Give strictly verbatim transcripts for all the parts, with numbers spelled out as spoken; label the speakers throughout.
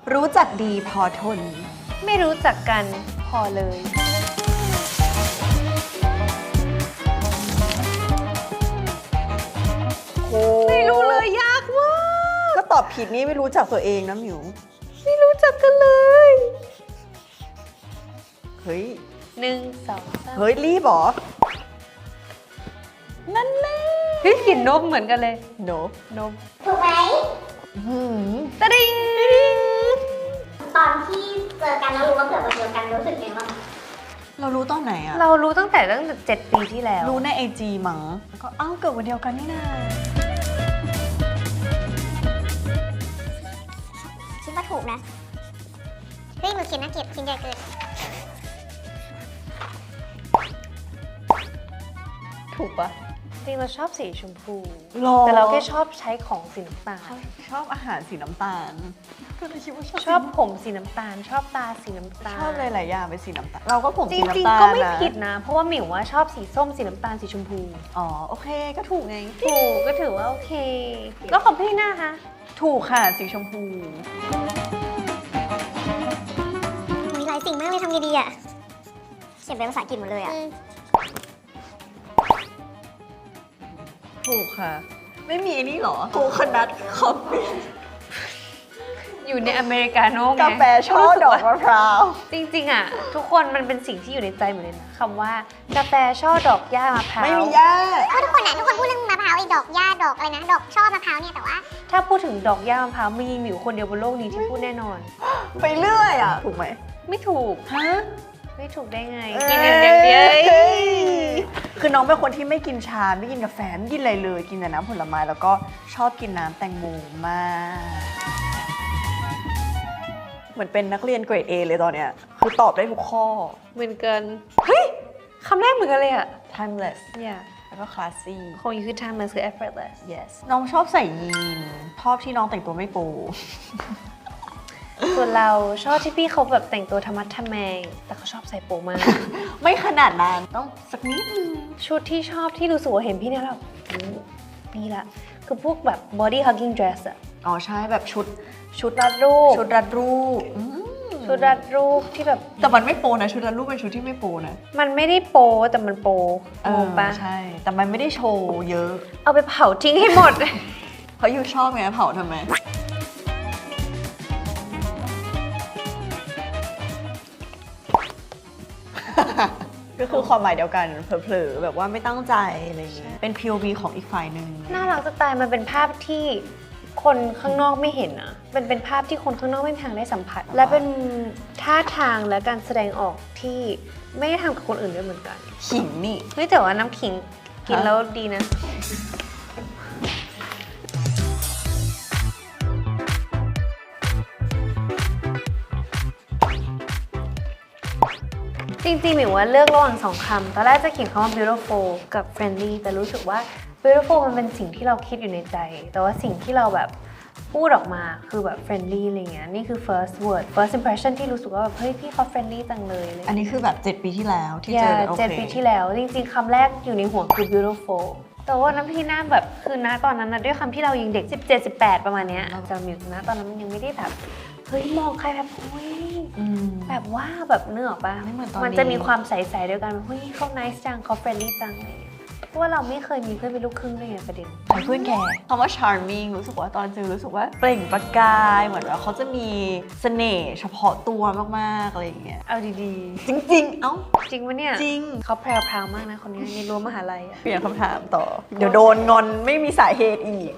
Speaker 1: รู้จักดีพอทน
Speaker 2: ไม่รู้จักกันพอเลยไม่รู้เลยยากมาก
Speaker 1: ก็ตอบผิดนี่ไม่รู้จักตัวเองนะหมิว
Speaker 2: ไม่รู้จักกันเลย
Speaker 1: เฮ้ย
Speaker 2: หนึ่งสองสาม
Speaker 1: เฮ้ยรีบหรอ
Speaker 2: นั่นแหละเฮ้ยกลิ่นนมเหมือนกันเลย
Speaker 1: นม
Speaker 2: นม
Speaker 3: ถูกไหม
Speaker 2: ตะดิง
Speaker 3: ตอนที่เจอกันแล้วรู้ว่าเกิดวันเดียวกันรู้สึกยังไงบ้าง
Speaker 1: เรารู้ตอนไหนอะ
Speaker 2: เรารู้ตั้งแต่ตั้งแต่เจ็ดปีที่แล้ว
Speaker 1: รู้ในไอจีมั้งก็อ้าวเกิดวันเดียวกันนี่นา
Speaker 3: คิดว่าถูกนะเฮ้ยมือเขียนน่าเก็บชิ้นใหญ่เกิน
Speaker 1: ถูกปะ
Speaker 2: จริงเราชอบสีชมพู
Speaker 1: แต่
Speaker 2: เราแค่ชอบใช้ของสีน้ำตาล
Speaker 1: ชอบอาหารสีน้ำตาลก็เลยคิดว่าชอบ
Speaker 2: ชอบผมสีน้ำตาลชอบตาสีน้ำตาล
Speaker 1: ชอบหลายๆอย่างเป็นสีน้ำตาลเราก็ผมสีน้ำตาล
Speaker 2: จริงๆก็ไม่ผิดนะเพราะว่าหมิวว่าชอบสีส้มสีน้ำตาลสีชมพู
Speaker 1: อ๋อโอเคก็ถูกไง
Speaker 2: ถูกก็ถือว่าโอเคแล้วของพี่หน้าคะ
Speaker 1: ถูกค่ะสีชมพู
Speaker 3: มีหลายสิ่งมากเลยทำไงดีอ่ะเขียนเป็นภาษาอังกฤษหมดเลยอ่ะ
Speaker 1: ถูกค่ะไม่มีนี่หรอโคคนัทคอฟฟี่
Speaker 2: อยู่ในอเมริกาโน่ไง
Speaker 1: กาแฟช่อดอกมะพร้าว
Speaker 2: จริงๆอ่ะทุกคนมันเป็นสิ่งที่อยู่ในใจหมดเลยนะคำว่ากาแฟช่อดอกหญ้ามะพร้าว
Speaker 1: ไม่มีหญ้า
Speaker 3: เพราะทุกคนอ่ะทุกคนพูดเรื่องมะพร้าวไอ้ดอกหญ้าดอกอะไรนะดอกช่อมะพร้าวเนี่ยแต่ว่า
Speaker 2: ถ้าพูดถึงดอกหญ้ามะพร้าวมีหมิวคนเดียวบนโลกนี้ที่พูดแน่นอน
Speaker 1: ไปเรื่อยอ่ะถูกไหม
Speaker 2: ไม่ถูก
Speaker 1: ฮะ
Speaker 2: ไม่ถูกได้ไงกินอย่างเดียว
Speaker 1: คือน้องเป็นคนที่ไม่กินชาไม่กินกาแฟไม่กินอะไรเลยกินแต่น้ำผลไม้แล้วก็ชอบกินน้ำแตงโมมากเหมือนเป็นนักเรียนเกรด A เลยตอนเนี้ยคือตอบได้ทุกข้อ
Speaker 2: เหมือนกันเฮ้ยคำแรกเหมือนกันเลยอะ
Speaker 1: timeless
Speaker 2: เนี่ย
Speaker 1: แล้วก็ classy
Speaker 2: ของยูคือ timeless คือ effortless
Speaker 1: yes น้องชอบใส่ยีนชอบที่น้องแต่งตัวไม่โป๊
Speaker 2: ส่วนเราชอบที่พี่เขาแบบแต่งตัวธรรมะทแมงแต่เขาชอบใส่โป๊มาก
Speaker 1: ไม่ขนาดนั้นต้องสักนิดนึง
Speaker 2: ชุดที่ชอบที่รู้สึกว่าเห็นพี่เนี่ยเรานี่ละคือพวกแบบ body hugging dress อะ
Speaker 1: อ๋อใช่แบบชุด
Speaker 2: ชุดรัดรูป
Speaker 1: ชุดรัดรูป
Speaker 2: ชุดรัดรูปที่แบบ
Speaker 1: แต่มันไม่โปนะชุดรัดรูปเป็นชุดที่ไม่โปนะ
Speaker 2: มันไม่ได้โปแต่มันโป
Speaker 1: เออปะใช่แต่มันไม่ได้โชว์เยอะ
Speaker 2: เอาไปเผาทิ้งให้หมด
Speaker 1: เพราะยูชอบไงเผาทำไมก็คือความหมายเดียวกันเผลอๆแบบว่าไม่ตั้งใจอะไรอย่างเงี้ยเป็น พี โอ วี ของอีกฝ่ายหนึ่ง
Speaker 2: น่ารักจะตายมันเป็นภาพที่คนข้างนอกไม่เห็นนะมันเป็นภาพที่คนข้างนอกไม่มีทางได้สัมผัสและเป็นท่าทางและการแสดงออกที่ไม่ได้ทำกับคนอื่นด้วยเหมือนกัน
Speaker 1: ขิงนี่
Speaker 2: เฮ้ยแต่ว่าน้ำขิงกินแล้วดีนะจริงๆหมิวว่าเลือกระหว่างสองคำตอนแรกจะเขียนคำว่า beautiful กับ friendly แต่รู้สึกว่า beautiful มันเป็นสิ่งที่เราคิดอยู่ในใจแต่ว่าสิ่งที่เราแบบพูดออกมาคือแบบ friendly อะไรเงี้ยนี่คือ first word first impression ที่รู้สึกว่าแบบเฮ้ยพี่เขา friendly จังเลย
Speaker 1: อันนี้คือแบบเจ็ดปีที่แล้วที่เจอ
Speaker 2: เจ็ดปีที่แล้วจริงๆคำแรกอยู่ในหัวคือ beautiful แต่ว่าน้ำพี่หน้าแบบคือณตอนนั้นนะด้วยคำที่เรายังเด็กสิบเจ็ด สิบแปดประมาณเนี้ยจำอยู่นะตอนนั้นมันยังไม่ได้แบบเฮ้ยมองใครแบบเฮ้ยแบบว่าแบบเนื้อปะไม่เหมือนตอนนี้มันจะมีความใสๆเดียวกันเฮ้ยเขา nice จังเขา friendly จังอะไรอย่างเงี้ยเพราะว่าเราไม่เคยมีเพื่อนเป็นลูกครึ่งด้วยไงประเด็น
Speaker 1: ใครเพื่อนแกคำว่า charming รู้สึกว่าตอนเจอรู้สึกว่าเปล่งประกายเหมือนว่าเขาจะมีเสน่ห์เฉพาะตัวมากๆอะไรอย่างเงี้ย
Speaker 2: เอาดี
Speaker 1: ๆจริงๆเอ้า
Speaker 2: จริงปะเนี่ย
Speaker 1: จริง
Speaker 2: เขาแพรวๆมากนะคนนี้ในรั้วมหาลัย
Speaker 1: เปลี่ยนคำถามต่อเดี๋ยวโดนงอนไม่มีสาเหตุอีก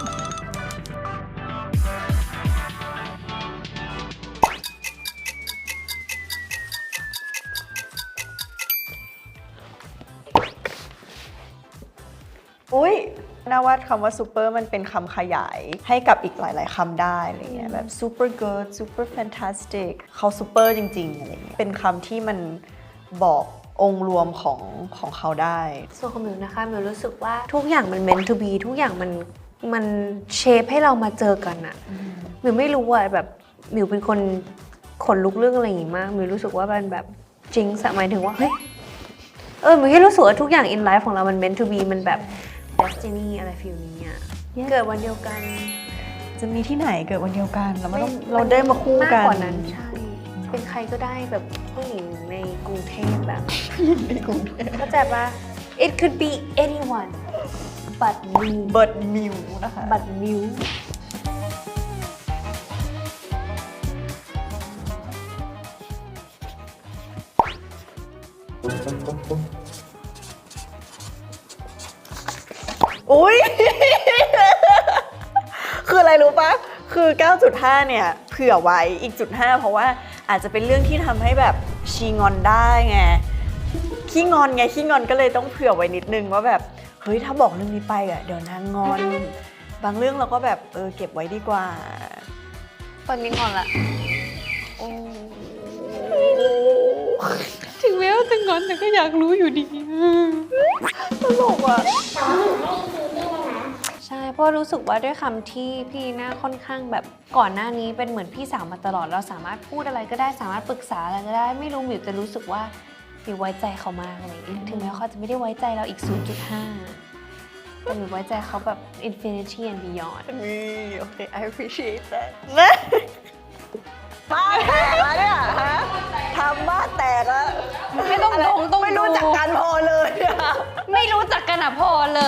Speaker 1: อุ้ยน่าว่าคำว่าซูเปอร์มันเป็นคำขยายให้กับอีกหลายๆคำได้อะไรเงี้ยแบบ super good super fantastic เขาซูเปอร์จริงๆอะไรเงี้ยเป็นคำที่มันบอกองค์รวมของของเขาได้
Speaker 2: ส่วนของมิวนะคะมิวรู้สึกว่าทุกอย่างมัน meant to be ทุกอย่างมันมันเชฟให้เรามาเจอกันอะมิวไม่รู้อะแบบมิวเป็นคนขนลุกเรื่องอะไรอย่างงี้มากมิวรู้สึกว่ามันแบบจริงหมายถึงว่าเฮ้ยเออมิวแค่รู้สึกว่าทุกอย่าง in life ของเรามัน meant to be มันแบบdestiny อะไรฟิลนี้อ่ะเกิดวันเดียวกัน
Speaker 1: จะมีที่ไหนเกิดวันเดียวกันแล้วมันต้องเราได้มาคู่กัน
Speaker 2: มากกว่านั้นใช่ เป็นใครก็ได้แบบผู้หญิงในกรุงเทพแบบ
Speaker 1: ในกรุงเทพ
Speaker 2: เข้าใจปะ it could be anyone but me
Speaker 1: เบิร์ดมิวนะคะ
Speaker 2: but you
Speaker 1: อุ้ย คืออะไรรู้ปะคือ เก้าจุดห้า เนี่ยเผื่อไว้อีกจุดห้าเพราะว่าอาจจะเป็นเรื่องที่ทำให้แบบชีงอนได้ไงขี้งอนไงขี้งอนก็เลยต้องเผื่อไว้นิดนึงว่าแบบเฮ้ยถ้าบอกเรื่องนี้ไปอ่ะเดี๋ยวนางงอน บางเรื่องเราก็แบบเออเก็บไว้ดีกว่า
Speaker 2: ตอนนี้ก่อนละถึงแม้ว่าจะงอนแต่ก็อยากรู้อยู่ดี
Speaker 1: ตลกอ่ะ
Speaker 2: ใช่เพราะรู้สึกว่าด้วยคำที่พี่น่าค่อนข้างแบบก่อนหน้านี้เป็นเหมือนพี่สาวมาตลอดเราสามารถพูดอะไรก็ได้สามารถปรึกษาอะไรก็ได้ไม่รู้หมิวจะรู้สึกว่าหมิวไว้ใจเขามากอะไรอย่างเงี้ยถึงแม้เขาจะไม่ได้ไว้ใจเราอีก ศูนย์จุดห้า แต่หมิวไว้ใจเขาแบบ infinity and beyond
Speaker 1: นี่โอเค I appreciate that นะ บ้านแตกแล้วเนี่ยฮะทำบ้านแตกแล้ว
Speaker 2: ไม่ต้องลงต้อง
Speaker 1: ไม่รู้จักกันพอเลยอะ
Speaker 2: ไม่รู้จักกันอ่ะพอเลย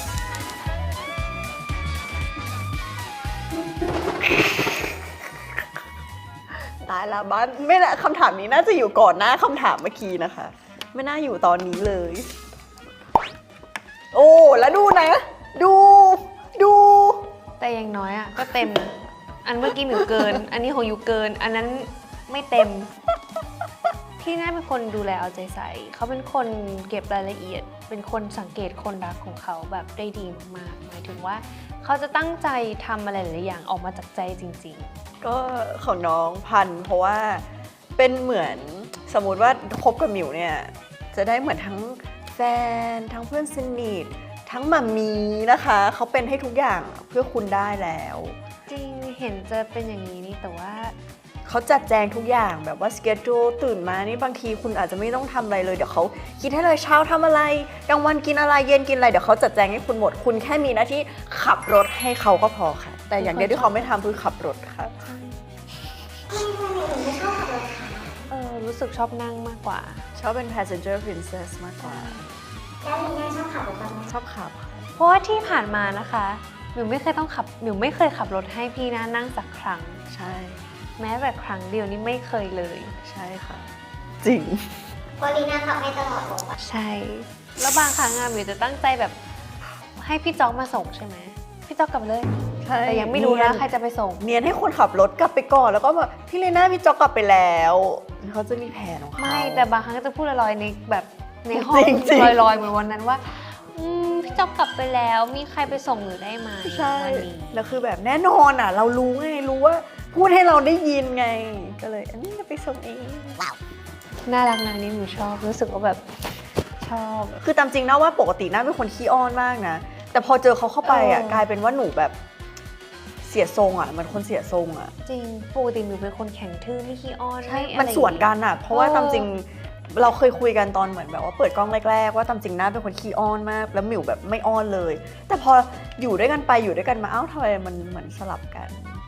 Speaker 1: ตายละบ้านไม่นะคำถามนี้น่าจะอยู่ก่อนหน้าคำถามเมื่อกี้นะคะ ไม่น่าอยู่ตอนนี้เลย โอ้แล้วดูนะ ดู ดู
Speaker 2: แต่อย่างน้อยอ่ะก็เต็มนะอันเมื่อกี้หมิวเกิน อันนี้ของยูเกิน อันนั้นไม่เต็ม พี่น่าเป็นคนดูแลเอาใจใส่ เขาเป็นคนเก็บรายละเอียด เป็นคนสังเกตคนรักของเขาแบบได้ดีมากๆหมายถึงว่าเขาจะตั้งใจทำอะไรหลายอย่างออกมาจากใจจริง
Speaker 1: ก็ของน้องพันธุ์เพราะว่าเป็นเหมือนสมมุติว่าคบกับหมิวเนี่ยจะได้เหมือนทั้งแฟนทั้งเพื่อนสนิททั้งมัมมีนะคะเขาเป็นให้ทุกอย่างเพื่อคุณได้แล้ว
Speaker 2: ๆ จริงเห็นจะเป็นอย่างนี้นี่แต่ว่า
Speaker 1: เขาจัดแจงทุกอย่างแบบว่าสเกจจูตื่นมานี่บางทีคุณอาจจะไม่ต้องทำอะไรเลยเดี๋ยวเขาคิดให้เลยเช้าทำอะไรกลางวันกินอะไรเย็นกินอะไรเดี๋ยวเขาจัดแจงให้คุณหมดคุณแค่มีหน้าที่ขับรถให้เขาก็พอค่ะ แต่อย่างเดียวที่เขาไม่ทำคือขับรถค่ะ
Speaker 2: เออรู้สึกชอบนั่งมากกว่า
Speaker 1: ชอบเป็น passenger princess มากกว่า
Speaker 3: แล้วลีน่าชอบขับรถบ้างไหม
Speaker 1: ชอบขับค่ะ
Speaker 2: เพราะว่าที่ผ่านมานะคะหมิวไม่เคยต้องขับหมิวไม่เคยขับรถให้พี่นะนั่งสักครั้ง
Speaker 1: ใช่
Speaker 2: แม้แต่ครั้งเดียวนี่ไม่เคยเลย
Speaker 1: ใช่ค่ะ จริง
Speaker 3: เพราะลีน่าขับให้ตลอดเลย
Speaker 2: ใช่ แล้วบางครั้งอะหมิวจะตั้งใจแบบให้พี่จ๊อกมาส่งใช่ไหมพี่จ๊อกกลับมาเลย
Speaker 1: ใช่
Speaker 2: แต่ยังไม่รู้
Speaker 1: เนีย
Speaker 2: นะ
Speaker 1: น
Speaker 2: ใครจะไปส่ง
Speaker 1: เนียนให้คนขับรถกลับไปก่อนแล้วก็แบบพี่เลน่าพี่จ๊อกกลับไปแล้วเขาจะมีแผนของเขา
Speaker 2: ไม่แต่บางครั้งก็จะพูดลอยๆในแบบในห้อง
Speaker 1: จริงๆ
Speaker 2: ลอยๆเหมือนวันนั้นว่าอืมพี่จ๊อกกลับไปแล้วมีใครไปส่งหรือได้ไหม
Speaker 1: ใช่
Speaker 2: วันนี้
Speaker 1: แล้วคือแบบแน่นอนอ่ะ เรารู้ไงรู้ว่าพูดให้เราได้ยินไง ก็เลยอันนี้จะไปส่งเอง
Speaker 2: น่ารักนะนี่หนูชอบรู้สึกว่าแบบชอบ
Speaker 1: คือตามจริงนะว่าปกติน่าเป็นคนขี้อ้อนมากนะ แต่พอเจอเขาเข้าไปอ่ะ
Speaker 2: เออ
Speaker 1: กลายเป็นว่าหนูแบบเสียทรงอ่ะเหมันคนเสียทรงอ่ะ
Speaker 2: จริงปกติหนูเป็นคนแข็งทื่อไม่ขี้อ้อน
Speaker 1: ใช่
Speaker 2: ไอะไร
Speaker 1: มันส่วนกันอ่ะ เพราะว่า
Speaker 2: เออ
Speaker 1: ตามจริงเราเคยคุยกันตอนเหมือนแบบว่าเปิดกล้องแรกๆว่าตามจริงน่าเป็นคนขี้อ้อนมาก แล้วหมิวแบบไม่อ้อนเลย แต่พออยู่ด้วยกันไปอยู่ด้วยกันมาเอ้าทำไมมันเหมือนสลับกัน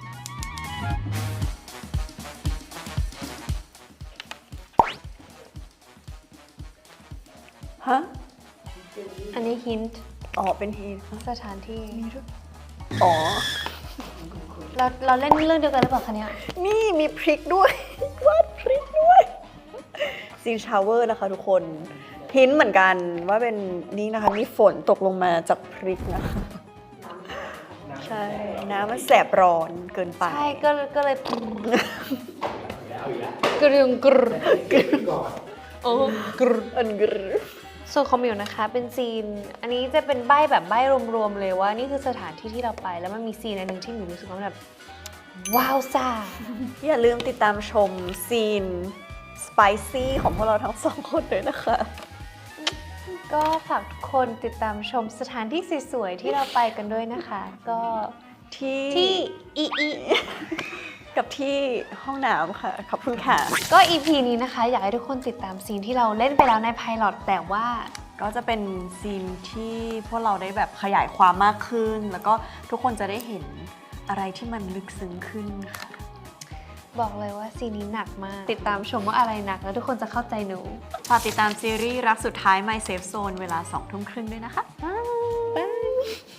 Speaker 1: ฮะ
Speaker 2: อันนี้ฮินต์
Speaker 1: อ๋อ เป็นฮี
Speaker 2: สถานที่
Speaker 1: อ๋อ
Speaker 2: เราเราเล่นเรื่องเดียวกันหรือเปล่าคะเนี่ย
Speaker 1: นี่มีพริกด้วย วาดพริกด้วยซีนชาวเวอร์นะคะทุกคนหินเหมือนกันว่าเป็นนี่นะคะ มีฝนตกลงมาจากพริกนะคะ ใช่ น้ำมันแสบร้อนเกินไป
Speaker 2: ใช่ก็ก็เลยกรึงกรึโอ้กรึ
Speaker 1: อันกรึ
Speaker 2: ส่วนของหมิวนะคะเป็นซีน อันนี้จะเป็นใบ้แบบใบ้รวมๆเลยว่านี่คือสถานที่ที่เราไปแล้วมันมีซีนอันหนึ่งที่หมิวรู้สึกว่าแบบว้าวซ่า
Speaker 1: อย่าลืมติดตามชมซีนสไปซี่ของพวกเราทั้งสองคนด้วยนะคะ
Speaker 2: ก็ฝากทุกคนติดตามชมสถานที่สวยๆที่เราไปกันด้วยนะคะ ก็
Speaker 1: ที่
Speaker 2: ที่อีอี
Speaker 1: กับที่ห้องน้ำค่ะ ขอบคุณค่ะ
Speaker 2: ก็ อี พี นี้นะคะ อยากให้ทุกคนติดตามซีนที่เราเล่นไปแล้วในไพลอตแต่ว่า
Speaker 1: ก็จะเป็นซีนที่พวกเราได้แบบขยายความมากขึ้น แล้วก็ทุกคนจะได้เห็นอะไรที่มันลึกซึ้งขึ้นค่ะ
Speaker 2: บอกเลยว่าซีนนี้หนักมาก ติดตามชมว่าอะไรหนักแล้วทุกคนจะเข้าใจหนู
Speaker 1: ฝากติดตามซีรีส์รักสุดท้าย My Safe Zone เวลาสองทุ่มครึ่งด้วยนะคะ
Speaker 2: บ๊าย